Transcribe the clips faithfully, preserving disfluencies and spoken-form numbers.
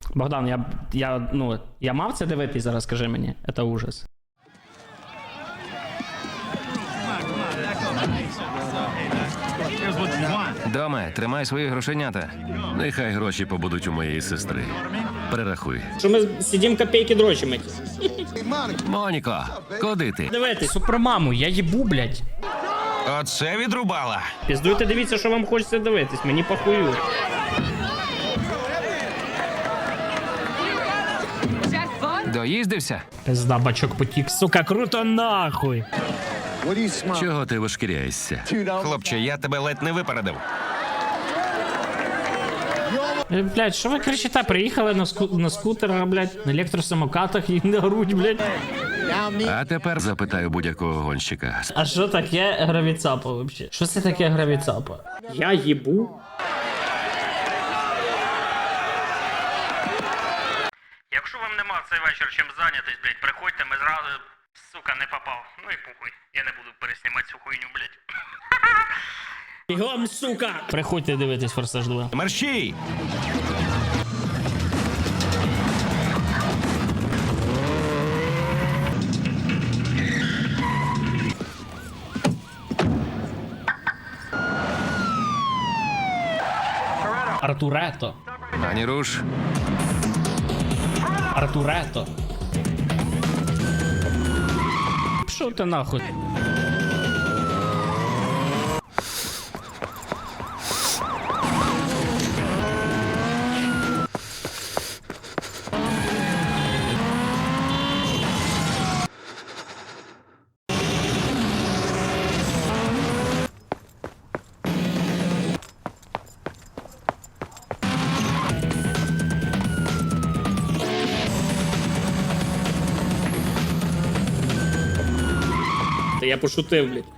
Богдан, я, я, ну, я мав це дивитись зараз, скажи мені. Це ужас. Доме, тримай свої грошенята. Нехай гроші побудуть у моєї сестри. Перерахуй. Що ми сидім копійки дрочимо? Моніко, куди ти? Дивитись, супермаму, я їбу, блядь. Оце відрубала. Піздуйте, дивіться, що вам хочеться дивитись, мені похую. Доїздився? Пизда, бачок потік, сука, круто нахуй. Чого ти вишкіряєшся? Хлопче, я тебе ледь не випередив. Е, Блядь, що ви кричите? Приїхали на, ску... на скутерах, блядь, на електросамокатах і на грудь, блядь. А тепер запитаю будь-якого гонщика. А що таке гравіцапа взагалі? Що це таке гравіцапа? Я їбу. Якщо вам нема в цей вечір чим зайнятись, блядь, приходьте, ми зразу, сука, не попав. Ну і похуй, я не буду переснімати цю хуйню, блядь. Бігом, сука! Приходьте дивитись «Форсаж два». Мерщій! Артурето. Ані руш. Артурето. Пішов ти нахуй. Та я пошутив, блядь.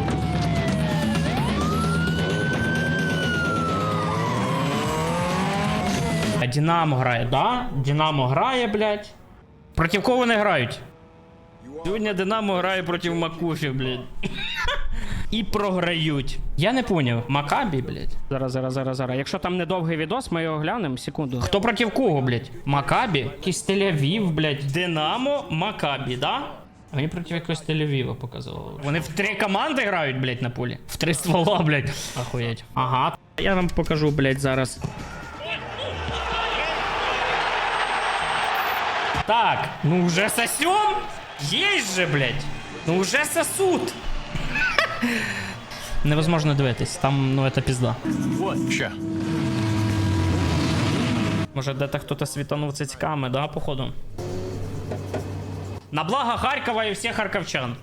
А Динамо грає, да? Динамо грає, блядь. Проти кого вони грають? Сьогодні Динамо грає проти Макуфі, блядь. І програють. Я не поняв. Макабі, блядь. Зараз, зараз, зараз, зараз. Якщо там недовгий відос, ми його глянемо. Секунду. Хто проти кого, блядь? Макабі? Якийсь Тель-Авів, блядь. Динамо, Макабі, да? А мені проти якогось Тель-Авіва показувало. Вони в три команди грають, блядь, на полі. В три ствола, блядь. Охуєть. Ага. Я вам покажу, блядь, зараз. Так, ну уже сосем? Есть же, блядь. Ну уже сосут. Невозможно дивитись, там, ну, это пизда. Що? Може, де-то хтось світанув цицьками, да, походу? На благо Харкова і всіх харківчан.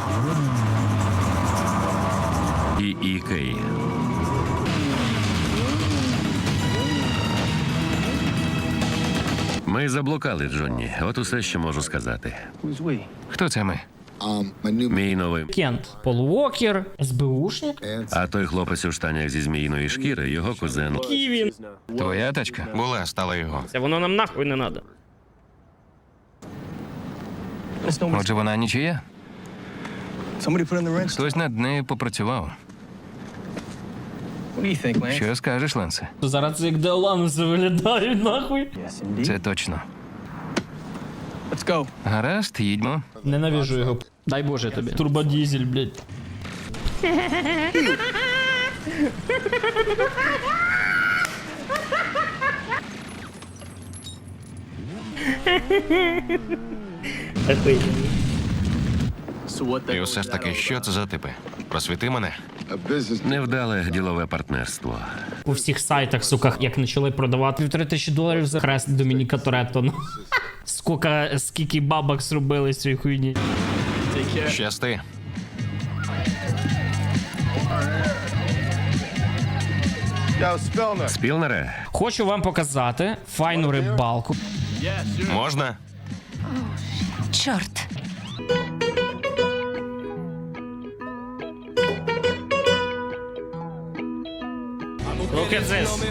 І Ікеї. Ми заблукали, Джонні. От усе, що можу сказати. Хто це ми? Мій новий. Кент. Пол Уокер, СБУшник. А той хлопець у штанях зі зміїної шкіри, його кузен. Ківін. Твоя тачка? Була, стала його. Це воно нам нахуй не надо. Отже, вона нічия? Хтось над нею попрацював. Що скажеш, Ленсе? Зараз це як Деолануси виглядають, нахуй. Це точно. Гаразд, їдьмо. Ненавижу його. Дай Боже тобі. Турбодізель, блядь. І все ж таки, що це за типи? Просвіти мене. Невдале ділове партнерство. У всіх сайтах, сука, як почали продавати півтори тисячі доларів за хрест Домініка Торетто. Ну, скільки, скільки бабок зробили з цієї хуйні. Щасти. Спілнере, Хочу вам показати файну рибалку. можна? Чорт. Look at this.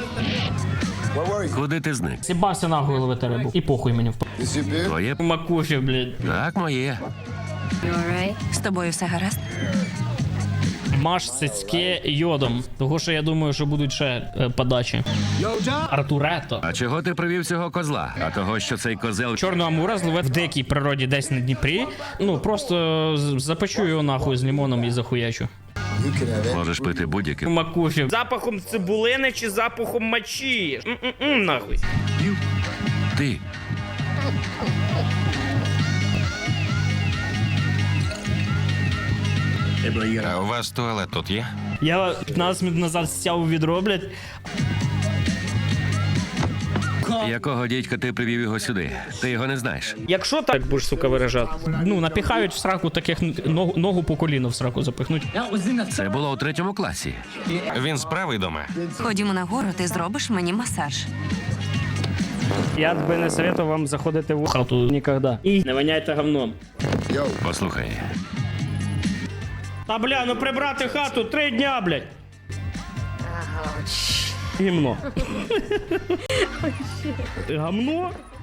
Куди ти зник? Сібався нахуй ловити рибу. І похуй мені в Твоє? Макуфі, блядь. Так, моє. З тобою все гаразд? Маш цицьки йодом. Того, що я думаю, що будуть ще е, подачі. Артурето. А чого ти привів цього козла? А того, що цей козел... Чорного амура зловив в дикій природі десь на Дніпрі. Ну, просто з- запечу його нахуй з лимоном і захуячу. Можеш пити будь-яким. Макуфі. Запахом цибулини чи запахом мочі? М-м-м, нахуй. Ти. А у вас туалет тут є? Я п'ятнадцять минут назад стяв відро, блядь. Якого дідька ти привів його сюди? Ти його не знаєш. Якщо так будеш, сука, виражати, ну, напіхають в сраку таких ногу, ногу по коліну в сраку запихнуть. Це було у третьому класі. Він справий дома. Ходімо нагору, ти зробиш мені масаж. Я би не советував вам заходити в хату ніколи. І не воняйте говном. Послухай, Та бля, ну прибрати хату три дня, блядь. Гімно. Гамно?